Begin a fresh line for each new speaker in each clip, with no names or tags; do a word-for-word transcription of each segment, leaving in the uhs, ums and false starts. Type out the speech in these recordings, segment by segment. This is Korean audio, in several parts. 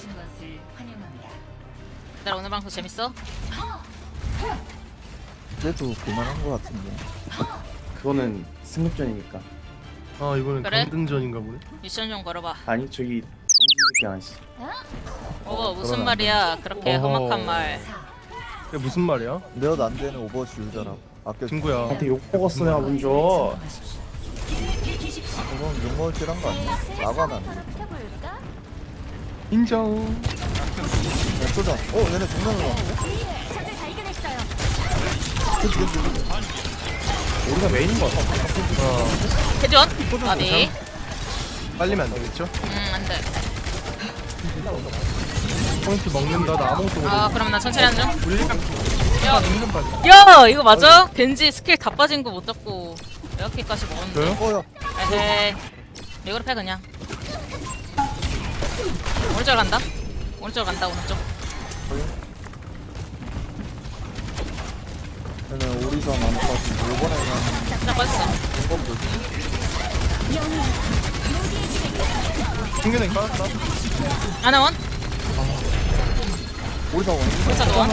얘들아 오늘 방송 재밌어?
그래도 그만한 거 같은데.
그거는 승급전이니까.
아 이거는
그래?
강등전인가 보네.
미션 좀 걸어봐.
아니 저기 공주새끼 하나씩.
어 무슨
그러면
말이야 그렇게
어허.
험악한 말.
그게 무슨 말이야?
내가 안 되는 오버워치 유저라고. 아껴.
친구야.
나한테 욕 먹었어 내가 먼저.
그건 욕먹을 칠한 거 아니야? 나가 난.
인정.
야, 쏘자. 어, 얘네 정면으로 왔는데? 그치, 그치, 그치.
우리가 메인인 거 같아.
어
해전? 아니.
빨리면 안 되겠죠?
음 안돼.
포인트 먹는다. 나 아무것도 모르.
아 그럼 나 천천히 하는 중.
물리면
야,
은근 빠져.
야 이거 맞아? 겐지 스킬 다 빠진 거 못 잡고 이렇게까지 먹었는데.
저요?
어, 야.
에헤이. 이거로 패 그냥. 오른쪽 간다. 오른쪽 간다 오른쪽.
얘네 오리사 많이 빠지고, 요번에는
딱 빠졌어.
공범도
충분히 빠졌다.
아나원?
오리사 원.
오리사 노원?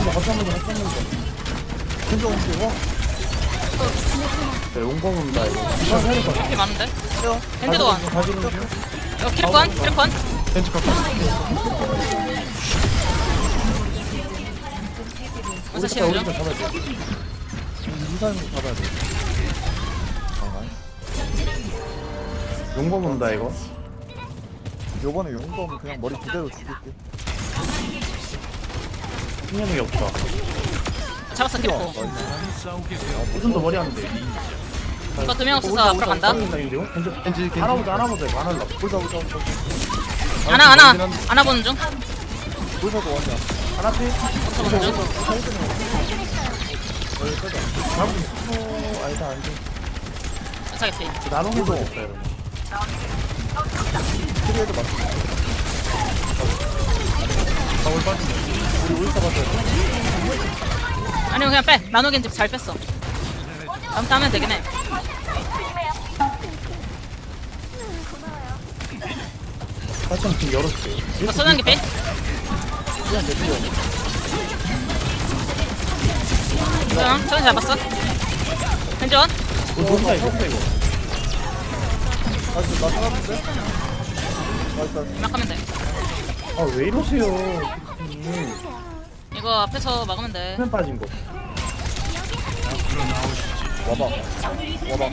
진짜 온게 와?
야, 용범 온다 이거.
이렇게 많은데?
해요.
겐지 노원.
가지는 중.
이거 키르권? 키르권?
벤치 갖고.
무슨 시험 중?
잡아야 돼.
이사님 잡아야 돼. 아, 나이스.
용범 온다 이거.
요번에 용검 그냥 머리 그대로 죽일게.
신념이 없다.
잡았어 키르코.
무슨 더 머리 안 돼.
이거 두 명 없어서 앞으로 간다.
벤치 겐지.
하나보자 하나보자 이거 하나
오리사, 오리사, 오리사.
아나 아나 아나 보는 중.
오리사도 원이야.
하나 피.
어서 보는 중.
잡은 거 아니다 안 돼.
사겠지.
나눠서 없다 이러면.
트리에도 맞지.
방울 빠진다.
우리 오리사 맞아야 돼.
아니면 그냥 빼. 나노 겐지 잘 뺐어. 다음 때 하면 되긴 해.
살짝 지금 열었어.
이거 소장기 빼.
그냥 내피어.
소장 소장 잡았어. 겐지 원.
이거 뭔가 이거 이거.
나이스, 나 살았는데? 나이스, 나이스.
막 하면 돼.
아 왜 이러세요? 음.
이거 앞에서 막으면 돼.
수면 빠진 거.
와봐. 와봐.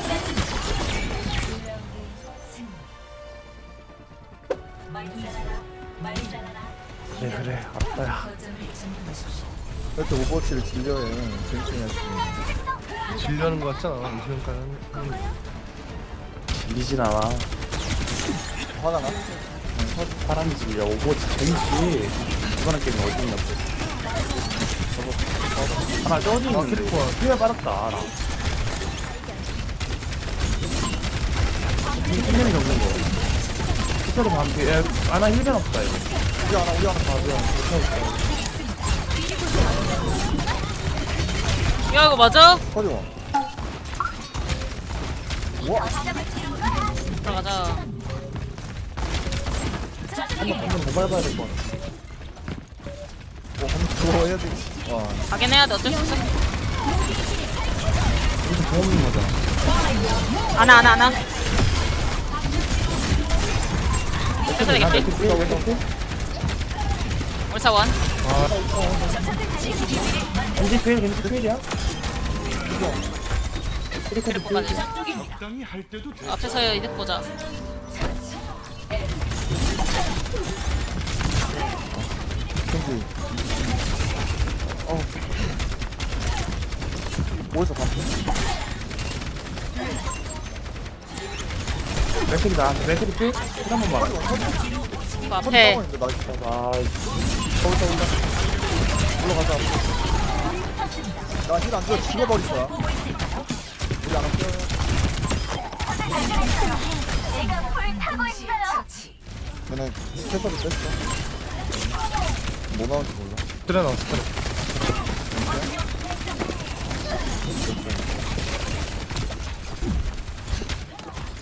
그래 그래 알았다야.
이렇게 오버워치를 질려해. 재밌게 해야지.
질려는 거 같잖아. 이 시간까지 하는 거.
밀리진 않아.
화가 나?
사람이지. 야 오버워치 재밌지. 이번에 게임 어디 있냐고. 하나 쪄지는데.
캐릭터가.
수면 빠졌다 알아. 힐맨이 적는 거. 스타로 반피. 야 아나 힐맨 없다 이거.
우리 하나, 우리 하나 봐, 우리 하나.
야 이거 맞아?
커리원. 와,
들어가자.
한번 한번 더 밟아야 될 거 같아.
뭐, 한번 그거 해야 돼. 와,
가긴 해야 돼. 어쩔 수 없어.
여기서 더 없는 거잖아.
아나 아나 아나. 그래서 되겠지?
우리가 왜 그렇고?
올사 원.
겐지 페일 겐지 페일이야?
그리고까지. 앞에서 이득 보자.
ken지. 어. 어디서 봤어?
맥클이다. 맥클이 페일? 한 번만.
이거
커리
앞에
따고 있는데, 나이스.
아,
거기서 온다. 올라가자. 나 힐 안 줘. 죽어버릴 거야. 우리 안 할게요. 얘네 캐서를 뺐어. 뭐 나올지 몰라.
그래 나왔어. 그래.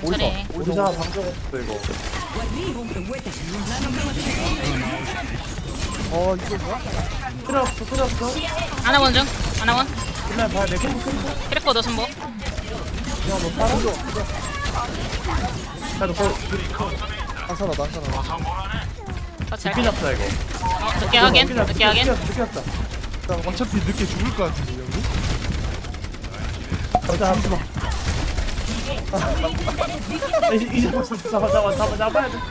천천히.
오리사
오리사
오리사
방정 없어 이거.
어 이거 뭐야?
필요 없어 필요 없어.
아나원 중. 아나원.
그냥 봐야 내 캠프 캠프.
캐릭터 너 손보.
야너 살아?
야너 거
안 살아 난 살아
터치
늦게
할게.
잡자 이거.
어, 늦게 하긴.
늦게 잡자,
늦게 하긴.
늦게 잡자.
일단
어차피 늦게 죽을 것 같은데 형님.
가자 잠시만. 아, 이제 이제 벌써 잡아 잡아 잡아 잡아야 돼.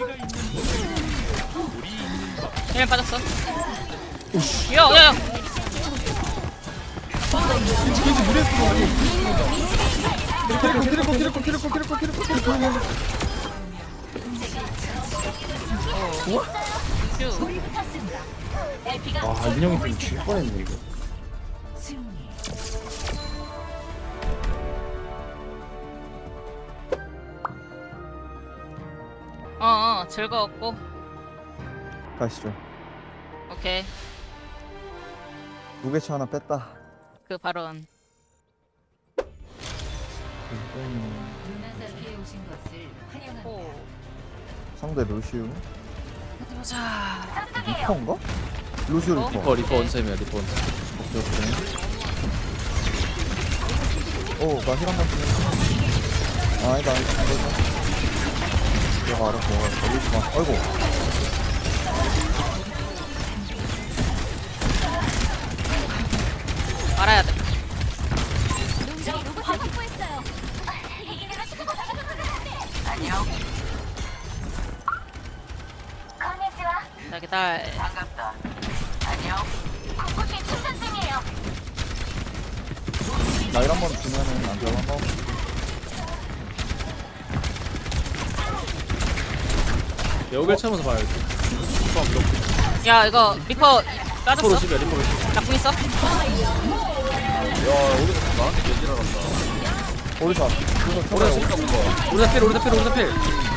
힐 빠졌어. 야, 야, 야.
겐지 무리했어 키리코 키리코 키리코 키리코 키리코 키리코
휴.
아 민영이 좀 질 뻔했네 이거.
어, 어, 즐거웠고.
가시죠
오케이.
무게차 하나 뺐다
그 발언.
루나사키에 오신 것을 환영합니다.
오.
상대 루시우
보자.
리퍼인가? 루시우
어?
리퍼
리퍼 리퍼 원쌤이야 리퍼 원쌤.
오케이 오케이 오나 힐 한번 쓰네 아니다 아니다 이거다 얘가 알아서 걸리지 마 아이고
알아야 돼. 자, 기다려.
나일 한번 주면은 안 들어간 거
여길 채면서 봐야지.
야, 이거 리퍼
리퍼
빠졌어?
로십이야 리퍼 로십.
나궁 있어?
야 오리사 나한테 얘기를 한다.
오리사
오리사 진짜 무거. 오리사 필 오리사 필 오리사 필.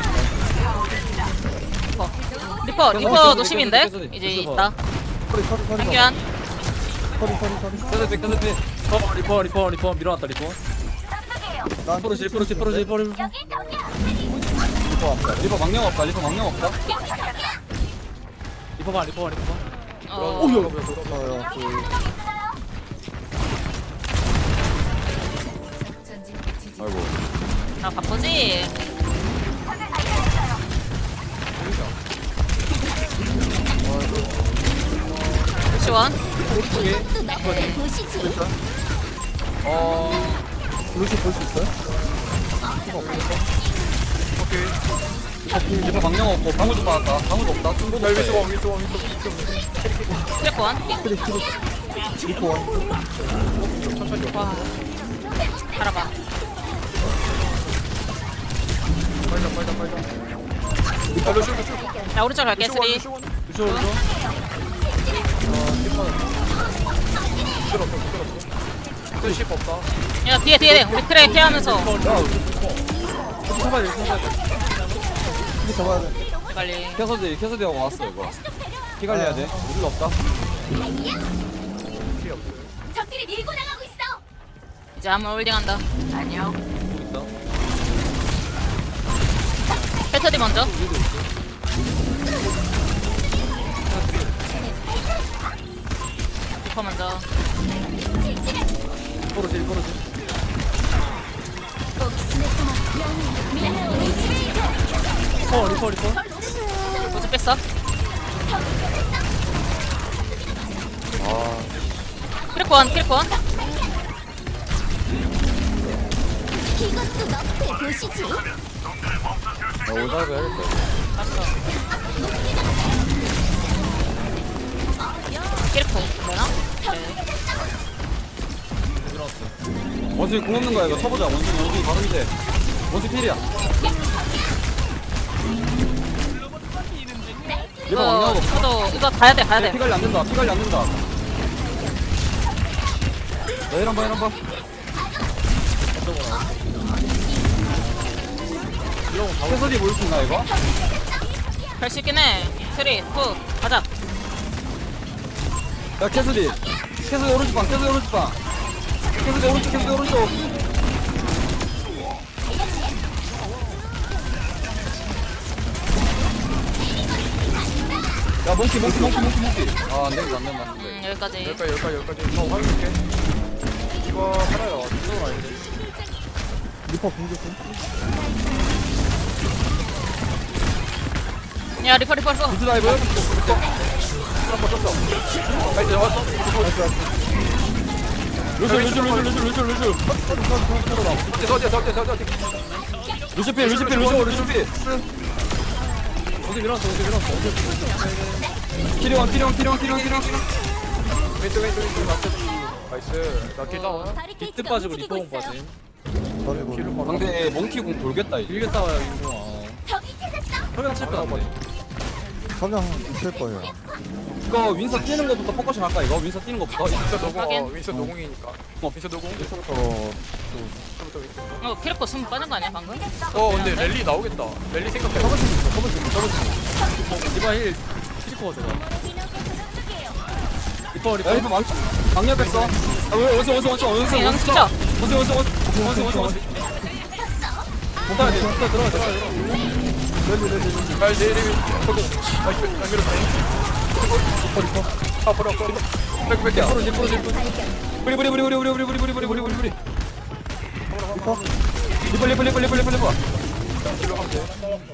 리퍼. 리퍼, 리퍼 노심인데?
계속, 계속,
이제
계속
있다.
서리 서리 서리
한규한.
서리 서리 서리
계속 필 계속 필. 어 리퍼 리퍼 리퍼 밀어놨다 리퍼.
난
리퍼 로십 리퍼 로십 리퍼 로십 리퍼 로십.
리퍼 합니다
리퍼 망령 없다 리퍼 망령 없다. 리퍼 봐 리퍼 봐 리퍼 봐.
어.
어여 그
전진 지지
아이고.
나 바쁘지? 시원.
어
루시 볼 수 있어요?
리퍼 망령 없고 방울도 받았다. 방울도 없다. 순간 멜비스 원 위스 원
트래권.
크리 크리 리퍼 원
와. 알아봐. 나 오른쪽 갈게, 쓰리.
루시 오른쪽.
야, 뒤에, 뒤에. 우리 트레 케어하면서.
잡아야 돼 잡아야 돼.
크리 잡아야 돼
빨리.
캐서디 캐서디하고 왔어 이거. 피 관리해야 돼. 우리가 없다.
적들이 밀고 나가고 있어.
이제 한번 홀딩한다.
있다.
패터디 먼저. 리퍼 먼저.
포르지 포르지. 리퍼 리퍼 리퍼.
보즈 뺐어. 크래권, 크래권.
이것도 너프에 보시지.
나 올다가 해야겠다.
봤어. 캐릭터 되나? 네.
원숭이 공 없는 거야 이거 쳐보자. 원숭이 원숭이 바로 밑에. 원숭이 필이야. 리퍼
이거,
왕냐고 없어.
이거도, 이거 가야 돼, 가야
피
돼.
관리 안 된다. 피 관리 안 된다. 야 이런 봐 이런 봐. 캐서디 모일 수 있나 이거?
갈 수 있긴 해. 쓰리, 투, 가자.
야 캐서디. 캐서디 오른쪽 방. 캐서디 오른쪽 방. 캐서디 오른쪽 캐서디 오른쪽. 몽키 몽키 몽키 몽키 몽키 아 안되겠다 안된다 안된다
음 여기까지.
여기까지 여기까지 여기까지 저 화면줄게 이거 살아요 이거 아닌데 리퍼 공격은?
야 리퍼 리퍼 리퍼.
미드 다이브
한번 쳤어 나이스 잡았어
루즈 루즈 루즈 루즈 루즈 루즈
서지 서지 서지 서지
루즈필 루즈필 루즈 루즈필
어디 밀어놨어 어디 밀어놨어 어디
키리원 키리원 키리원 키리원 키리원
왼쪽 왼쪽 왼쪽 맞췄지 나이스 나킬 다운
비트 빠지고 리퍼공 빠짐.
킬로 봐
상대 몽키공 돌겠다 이제
길게 싸워요 이거
저기 찾았어.
석양 칠거 같네
석양 있을 거예요.
이거 윈서 뛰는 것부터 포커싱 할까 이거? 윈서 뛰는 것부터
윈서 노공 어
확인.
윈서 노공이니까 어 윈서 노공
어,
처음부터 윈서
어 키리코 숨 빠진 거 아니야 방금?
어 근데 랠리 나오겠다 랠리 생각해 저번 팀 저번 팀 저번 팀 디바 힐 킬리코가 들어 리퍼 리퍼
야 리퍼 망 망력했어 아 왜, 어서 어서 어서 어서
그냥
어서
진짜.
어서 어서 어서 어서 어서 어서
못하야 돼 들어가 들어가 들어가 랠리 랠리 랠리 랠리 랠리 저거 나이스 안 밀었다 리퍼 리퍼 아 버려 버려 백 백이야 프로지 프로지
뿌리 뿌리 뿌리 뿌리 뿌리 뿌리 뿌리 뿌리 뿌리 뿌리 뿌리 뿌리
리퍼?
리퍼 리퍼 리퍼 리퍼 리퍼 리퍼
킬로 하면 돼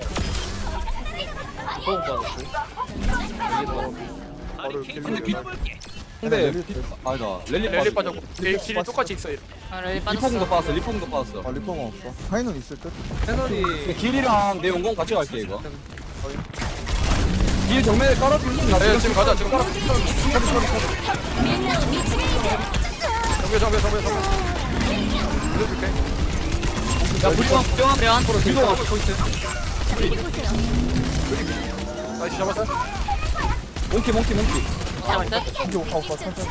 너무 빠졌어 이게 더 바로 킬로
근데 아니다 랠리
랠리
빠져
빠졌고 내 킬이 똑같이 있어
아 랠리
리퍼공도
빠졌어.
빠졌어 리퍼공도 빠졌어
아, 리퍼가 없어. 하이는 있을 듯?
해설이
길이랑 내 용공 같이 갈게 이거 길 정면에 깔아주면 나
네
지금
지금 가자 지금 가라 정배 정배 정배 정배 밀어줄게
야 불쌍 불쌍
그래요?
이거
나이스 잡았어
몽키 몽키 몽키
잡을 듯.
이게 오빠, 오빠, 천천히.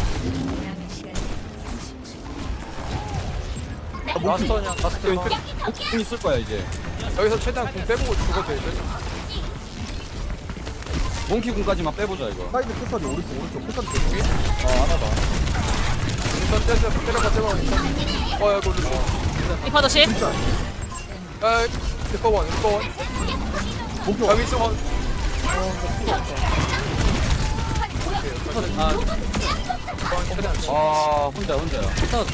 마스터냐 마스터
몽키 있을 거야 이제
여기서 최대한 공 빼보고 죽어도 돼
몽키 공까지만 빼보자 이거
사이드 끝까지 오른쪽, 오른쪽. 끝까지 계속. 아, 안 하다.
일단 때려 때려봐 때려봐 어야 이거 리퍼
리퍼 도시.
야 리퍼 원 리퍼 원
목표.
야 윈스 원
아 혼자 혼자야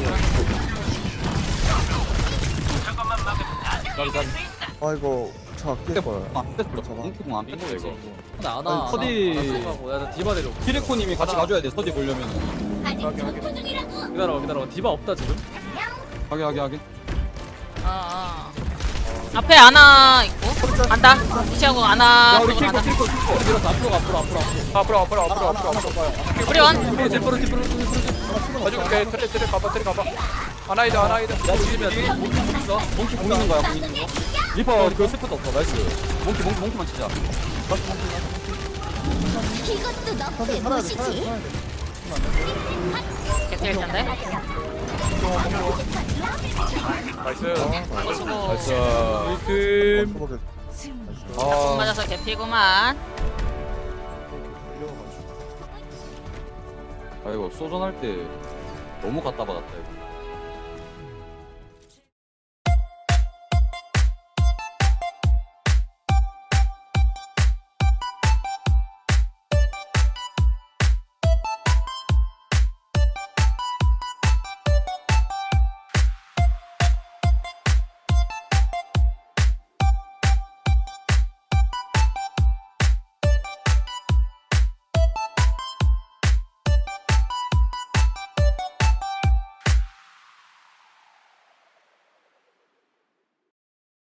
아, 이거 차 아낄 거야.
아 뺐어 몽키 공안 뺐어 이거
나나
서디
야나 디바 데려
키리코님이 같이 가줘야 돼 서디 보려면은
아직 전투 중이라고.
기다려봐 기다려봐 디바 없다 지금
하게 하게 하게
아, 아. 앞에 아나 있고 안다. 무시하고 아나
야 우리
쪽으로
키리코
가자.
키리코 키리코
밀어서 앞으로 앞으로 앞으로 앞으로 앞으로 앞으로 앞으로 앞으로
우리 원.
프로 프로 프로 가져올게 트레 트레 가봐 트레 가봐 아나이다 아나이다
있어 몽키 공 있는 거야 공 있는 거 리퍼 그 스프도 없어 나이스 몽키 몽키 몽키만 치자
이것도 너프의
살아야 돼, 살아야 돼,
도시지.
살아야 돼.
개쩔 텐데.
나이스
수고.
나이스
그
수고해.
공 맞아서 개피구만.
아 이거 소전 할 때 너무 갖다 받았다 이거